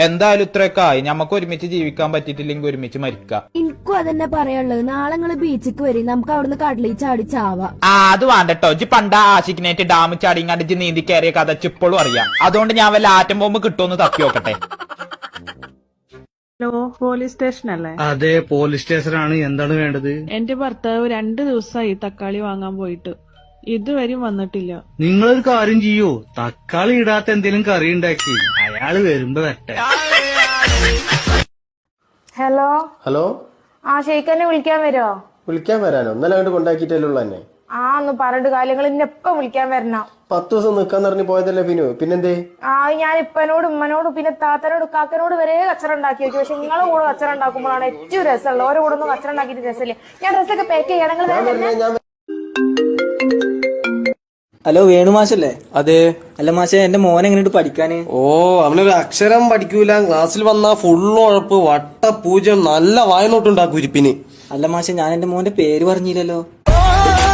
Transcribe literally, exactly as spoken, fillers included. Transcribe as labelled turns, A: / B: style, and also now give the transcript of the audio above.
A: എന്തായാലും ഇത്രയൊക്കെ ആയി. ഞമ്മക്ക് ഒരുമിച്ച് ജീവിക്കാൻ പറ്റിയിട്ടില്ലെങ്കിൽ ഒരുമിച്ച് മരിക്കാം.
B: എനിക്കും അതന്നെ പറയാനുള്ളത്. നാളെ നിങ്ങള് ബീച്ചിക്ക് വരും, നമുക്ക് അവിടുന്ന് കടലിൽ ചാടി ചാവാം.
A: ആ അത് വേണ്ടട്ടോ. ഇജ്ജ് പണ്ട ആശിക്കിനായിട്ട് ഡാം ചാടിങ്ങാണ്ട് ഇജ്ജ് നീന്തി കയറിയ കഥ ഇപ്പോഴും അറിയാം. അതുകൊണ്ട് ഞാൻ വല്ല ആറ്റം ബോംബ് കിട്ടുമെന്ന് തപ്പി നോക്കട്ടെ.
C: ഹലോ, പോലീസ് സ്റ്റേഷൻ അല്ലേ?
D: അതെ, പോലീസ് സ്റ്റേഷനാണ്. എന്താണ് വേണ്ടത്?
C: എന്റെ ഭർത്താവ് രണ്ടു ദിവസമായി തക്കാളി വാങ്ങാൻ പോയിട്ട് ഇതുവരെയും വന്നിട്ടില്ല.
D: നിങ്ങളൊരു കാര്യം ചെയ്യൂ, തക്കാളി ഇടാത്ത എന്തെങ്കിലും കറി ഉണ്ടാക്കി അയാള് വരുമ്പോ വരട്ടെ.
E: ഹലോ
F: ഹലോ,
E: ആ ഷെയ്ഖനെ വിളിക്കാൻ വരുമോ?
F: വിളിക്കാൻ വരാനോ? ഇന്നലെ അങ്ങോട്ട് കൊണ്ടാക്കിയിട്ടല്ലോ തന്നെ.
E: ആ ഒന്ന് പറഞ്ഞിട്ട് കാര്യങ്ങൾ ഇന്നെ എപ്പം വിളിക്കാൻ വരണം.
F: പത്ത് ദിവസം നിക്കാൻ പറഞ്ഞ് പോയതല്ലേ പിന്നു, പിന്നെന്തേ?
E: ആ ഞാൻ ഇപ്പനോട് ഉമ്മനോട് പിന്നെ താത്തനോട് കാക്കനോട് വരെ കച്ചറ ഉണ്ടാക്കി വെച്ചു. പക്ഷെ നിങ്ങളെ കൂടെ കച്ചറ ഉണ്ടാക്കുമ്പോഴാണ് ഏറ്റവും രസമുള്ളത്. ഓരോ കൂടെ ഒന്നും കച്ചറ ഉണ്ടാക്കിയിട്ട് രസമില്ല. ഞാൻ ഡ്രസ്സൊക്കെ പാക്ക് ചെയ്യണം.
G: ഹലോ, വേണു മാഷല്ലേ? അതെ. അല്ല മാഷെ, എന്റെ മോൻ എങ്ങനെയുണ്ട് പഠിക്കാന്?
H: ഓ, അവനൊരു അക്ഷരം പഠിക്കൂല. ക്ലാസ്സിൽ വന്നാ ഫുള്ള് ഉഴപ്പ്, വട്ട പൂജ്യം, നല്ല വായനോട്ടുണ്ടാക്കും ഇരിപ്പിന്.
G: അല്ല മാഷെ, ഞാൻ എന്റെ മോന്റെ പേര് പറഞ്ഞില്ലല്ലോ.